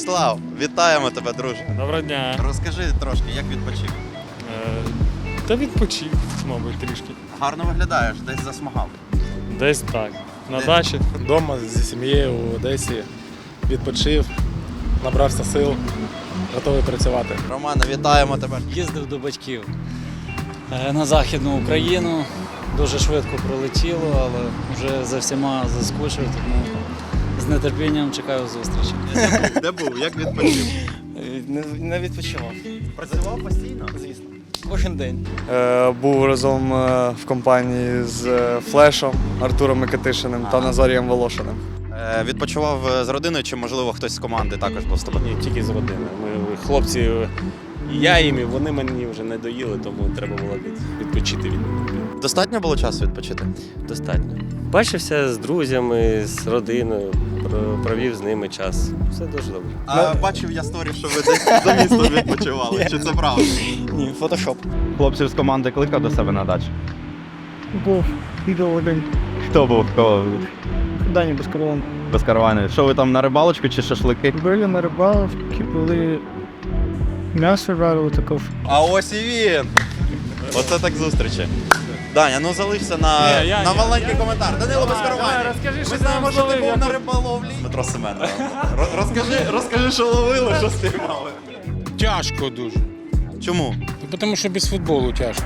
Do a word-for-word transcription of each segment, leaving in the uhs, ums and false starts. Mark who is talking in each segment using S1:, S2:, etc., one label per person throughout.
S1: Владислав, вітаємо тебе, друже.
S2: Доброго дня.
S1: Розкажи трошки, як відпочив.
S2: Е, Та відпочив, мабуть, трішки.
S1: Гарно виглядаєш, десь засмагав.
S2: Десь так. На
S1: Де?
S2: дачі.
S3: Вдома зі сім'єю у Одесі відпочив, набрався сил, готовий працювати.
S1: Романе, вітаємо тебе.
S4: Їздив до батьків е, на Західну Україну. Дуже швидко пролетіло, але вже за всіма заскучив, тому з нетерпінням чекаю зустрічі.
S1: Де був? Як відпочив?
S5: Не, не відпочивав,
S1: Працював постійно?
S5: звісно. Кожен день.
S6: Е, Був разом е, в компанії з е, Флешом, Артуром Микитишиним та
S1: Ага.
S6: Назарієм Волошиним.
S1: Е, Відпочивав е, з родиною чи, можливо, хтось з команди також був з тобою?
S7: Ні, тільки з родини. Ми хлопці, і я їм, і вони мені вже не доїли, тому треба було від- відпочити від них.
S1: Достатньо було часу відпочити?
S7: Достатньо. Бачився з друзями, з родиною, про- провів з ними час. Все дуже добре.
S1: А бачив я сторі, що ви десь за містом відпочивали. Чи це правда?
S5: Ні, фотошоп.
S8: Хлопців з команди кликав до себе на дачу?
S5: Був відео один.
S8: Хто був? Хто?
S5: Дані безкорован.
S8: Без каравани. Що ви там на рибалочку чи шашлики?
S5: Були на рибалки, були м'ясо жарили також.
S1: А ось і він! Оце так зустрічі. Даня, ну залишся на,
S2: Ні, я-
S1: на
S2: ні,
S1: маленький
S2: я-
S1: коментар. Данило
S2: Давай,
S1: Безкаровані.
S2: давай, розкажи, що
S1: Ми
S2: ти
S1: знаємо,
S2: там
S1: що ти
S2: зловив,
S1: був
S2: я
S1: на
S2: тут-
S1: риболовлі. Дмитро Семенов. Ро- Розкажи, розкажи, що ловили, що спіймали.
S9: Тяжко дуже.
S1: Чому?
S9: Тому що без футболу тяжко.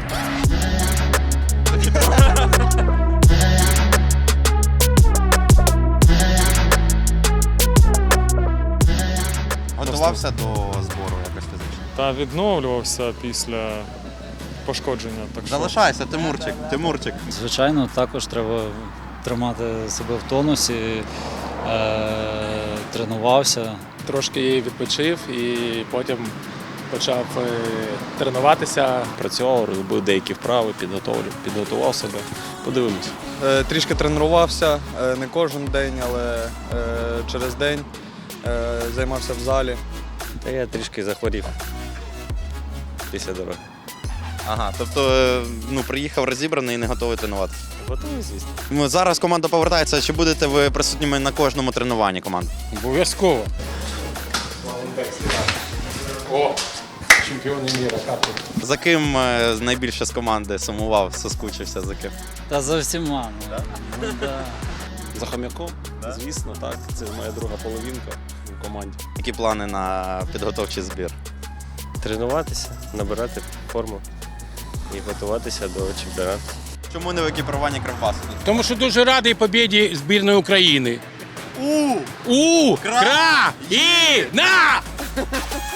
S1: Готувався до збору якось фізично.
S2: Та відновлювався після пошкодження. Так що
S1: Залишайся, Тимурчик, Тимурчик.
S4: Звичайно, також треба тримати себе в тонусі, е, тренувався.
S3: Трошки відпочив і потім почав е, тренуватися.
S7: Працював, робив деякі вправи, підготовлю, підготував себе. Подивимось.
S6: Е, Трішки тренувався, е, не кожен день, але е, через день е, займався в залі.
S7: Та я трішки захворів після дороги.
S1: Ага, тобто е, ну, приїхав розібраний і не готовий тренувати.
S7: Готовий, звісно.
S1: Ну, зараз команда повертається. Чи будете ви присутніми на кожному тренуванні команди?
S9: Обов'язково.
S3: О, чемпіони міра, капу.
S1: За ким е, найбільше з команди сумував, соскучився за ким?
S4: Та за всіма. Ну, ну, да.
S7: За хом'яком, звісно, так. Це моя друга половинка в команді.
S1: Які плани на підготовчий збір?
S7: Тренуватися, набирати форму і готуватися до чемпіонату.
S1: Чому не в екіпіруванні Кривбасу?
S9: Тому що дуже радий побіді збірної України.
S1: У!
S9: У!
S1: Кра!
S9: Кра! І! На!